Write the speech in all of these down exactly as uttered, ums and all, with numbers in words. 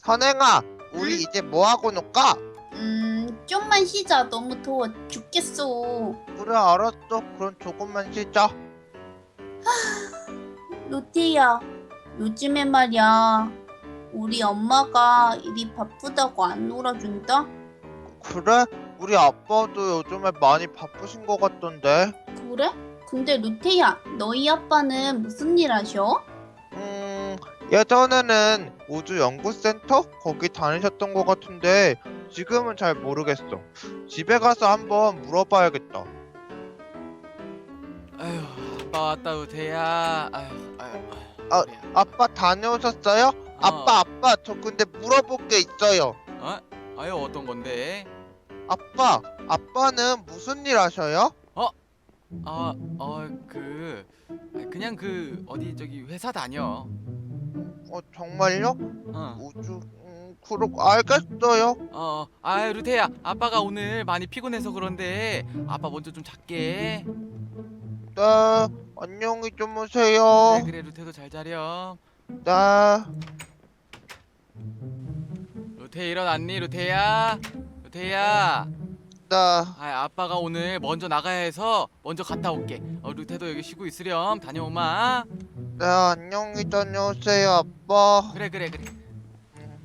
선행아, 우리 응? 이제 뭐 하고 놀까? 음, 좀만 쉬자. 너무 더워 죽겠어. 그래, 알았어. 그럼 조금만 쉬자. 루테야, 요즘에 말이야. 우리 엄마가 일이 바쁘다고 안 놀아준다? 그래? 우리 아빠도 요즘에 많이 바쁘신 것 같던데. 그래? 근데 루테야, 너희 아빠는 무슨 일 하셔? 음, 예전에는 우주연구센터? 거기 다니셨던 것 같은데 지금은 잘 모르겠어. 집에 가서 한번 물어봐야겠다. 아휴, 아빠 왔다 우태야. 아휴, 아휴, 아, 그래. 아빠 다녀오셨어요? 아빠, 어, 아빠, 저 근데 물어볼 게 있어요. 어? 아유, 어떤 건데? 아빠, 아빠는 무슨 일 하셔요? 어? 아, 어, 그, 그냥 그 어디 저기 회사 다녀. 어, 정말요? 어, 우주, 음, 그렇고 알겠어요. 어, 아유, 루테야, 아빠가 오늘 많이 피곤해서 그런데 아빠 먼저 좀 잘게. 네, 안녕히 그래, 주무세요. 그래, 루테도 잘 자렴. 네, 루테 일어났니, 루테야? 루테야. 네, 아, 아빠가 오늘 먼저 나가야 해서 먼저 갔다 올게. 어, 루테도 여기 쉬고 있으렴. 다녀오마. 네, 안녕히 다녀오세요, 아빠. 그래, 그래, 그래. 음,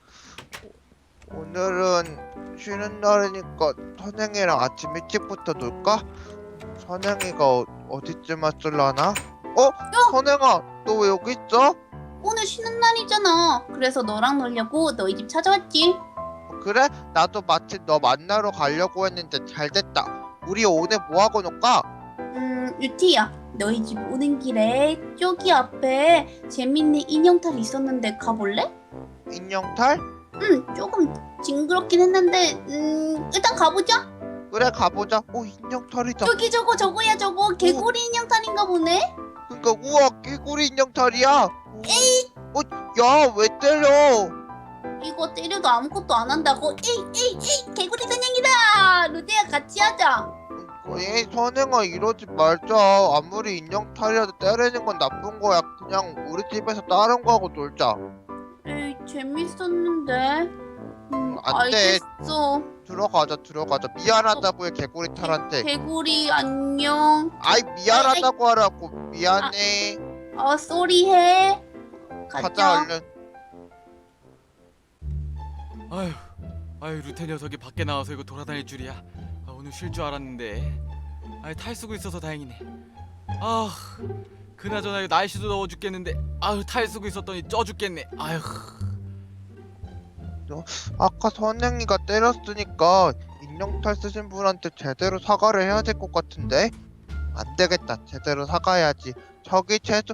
오늘은 쉬는 날이니까 선행이랑 아침 일찍부터 놀까? 선행이가 어, 어디쯤 왔을라나? 어? 선행아, 너 왜 여기 있어? 오늘 쉬는 날이잖아. 그래서 너랑 놀려고 너희 집 찾아왔지. 그래? 나도 마침 너 만나러 가려고 했는데 잘 됐다. 우리 오늘 뭐 하고 놀까? 음, 루티야, 너희 집 오는 길에 저기 앞에 재밌는 인형탈이 있었는데 가볼래? 인형탈? 응, 조금 징그럽긴 했는데, 음, 일단 가보자. 그래, 가보자. 오, 인형탈이다. 저기 저거 저거야 저거 개구리 인형탈인가 보네. 그니까 우와, 개구리 인형탈이야. 에이. 어, 야, 왜 때려? 이거 때려도 아무것도 안 한다고? 에이 에이 에이 개구리 사냥이다. 루테야 같이 하자. 에이, 선행아, 이러지 말자. 아무리 인형탈이라도 때리는 건 나쁜 거야. 그냥 우리 집에서 다른 거 하고 놀자. 에이 재밌었는데. 음, 안 돼. 알겠어. 들어가자, 들어가자. 미안하다고 해, 개구리 탈한테. 개구리 안녕. 아이, 미안하다고 하라고. 미안해. 어 쏘리해. 가자, 가자. 얼른. 아휴, 아휴, 루테 녀석이 밖에 나와서 이거 돌아다닐 줄이야. 아, 오늘 쉴 줄 알았는데. 아, 탈 쓰고 있어서 다행이네. 아, 그나저나 이거 날씨도 더워 죽겠는데. 아휴, 탈 쓰고 있었더니 쪄 죽겠네. 아휴. 아까 선행이가 때렸으니까 인형탈 쓰신 분한테 제대로 사과를 해야 될 것 같은데? 안 되겠다. 제대로 사과해야지. 저기 죄송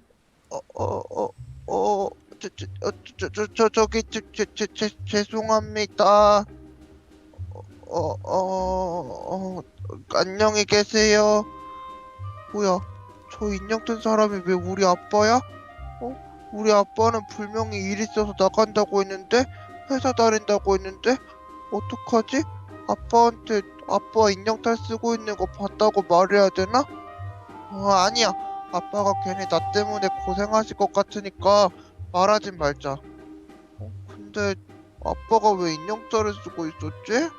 어어어어 저 저 어, 저 저 저 저기 저저저 죄송합니다. 어어어 어, 어, 안녕히 계세요. 뭐야? 저 인형 뜬 사람이 왜 우리 아빠야? 어? 우리 아빠는 분명히 일 있어서 나간다고 했는데 회사 다닌다고 했는데 어떡하지? 아빠한테 아빠 인형탈 쓰고 있는 거 봤다고 말해야 되나? 어, 아니야. 아빠가 괜히 나 때문에 고생하실 것 같으니까 말하진 말자. 어, 근데 아빠가 왜 인형탈을 쓰고 있었지?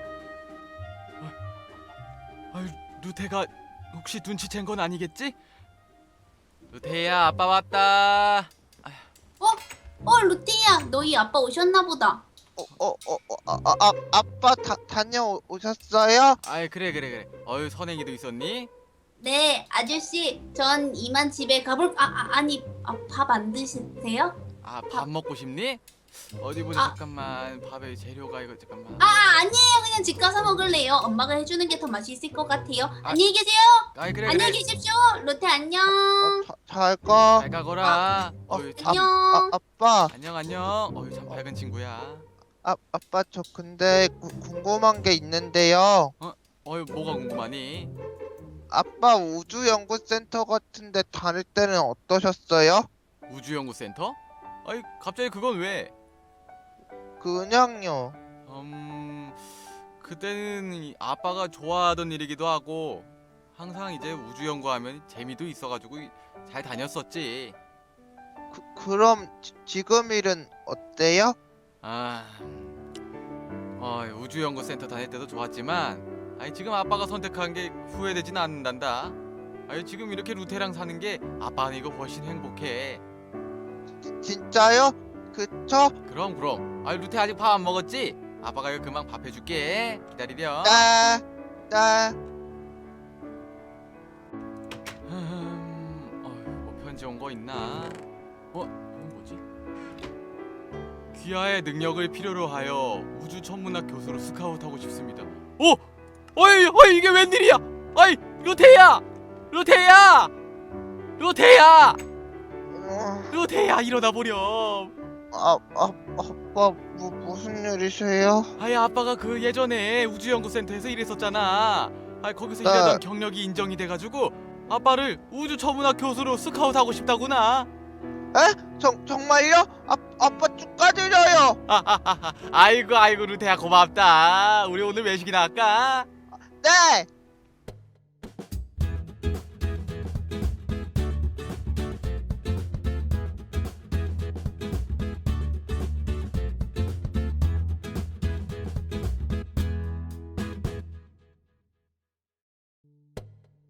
아휴, 루테가 혹시 눈치챈 건 아니겠지? 루테야, 아빠 왔다. 어 루티야 너희 아빠 오셨나 보다. 어, 어, 어, 어, 아, 아, 아, 아빠 다, 다녀오셨어요? 아이, 그래, 그래, 그래. 어휴, 선행이도 있었니? 네 아저씨 전 이만 집에 가볼 아, 아 아니 아, 밥 안 드세요? 아, 밥 먹고 싶니? 어디 보자. 아. 잠깐만. 밥에 재료가 이거 잠깐만. 아, 아 아니에요 그냥 집 가서 먹을래요. 엄마가 해주는 게 더 맛있을 것 같아요. 아. 안녕히 계세요. 아이, 그래, 안녕히 그래. 계십시오. 로테 안녕. 어, 자, 잘 가. 잘 가거라. 어, 어휴, 참. 안녕. 아, 아빠, 안녕, 안녕. 어휴, 참 밝은 친구야. 아, 아빠 저 근데 구, 궁금한 게 있는데요. 어휴, 뭐가 궁금하니? 아빠 우주연구센터 같은데 다닐 때는 어떠셨어요? 우주연구센터? 아이, 갑자기 그건 왜? 그냥요. 음, 그때는 이 아빠가 좋아하던 일이기도 하고 항상 이제 우주 연구하면 재미도 있어가지고 잘 다녔었지. 그, 그럼 지, 지금 일은 어때요? 아, 어, 우주연구센터 다닐 때도 좋았지만, 아니 지금 아빠가 선택한 게 후회되진 않는단다. 아니 지금 이렇게 루테랑 사는 게 아빠는 이거 훨씬 행복해. 지- 진짜요? 그쵸? 그럼 그럼. 아니 루테 아직 밥 안 먹었지? 아빠가 이거 금방 밥 해줄게. 기다리렴. 네, 네. 음, 어휴, 뭐 편지 온 거 있나? 어, 이건 뭐지? 귀하의 능력을 필요로 하여 우주 천문학 교수로 스카우트하고 싶습니다. 오, 어이, 어이 이게 웬일이야? 아이, 루테야, 루테야, 루테야, 어, 루테야 일어나 보렴. 아, 아, 아빠 뭐, 무슨 일이세요? 아이 아빠가 그 예전에 우주연구센터에서 일했었잖아. 아 거기서 네. 일하던 경력이 인정이 돼가지고 아빠를 우주 천문학 교수로 스카우트하고 싶다구나. 에? 정, 정말요? 아, 아빠 축하드려요. 아이고 아이고 루테야 고맙다. 우리 오늘 외식이나 할까? 네.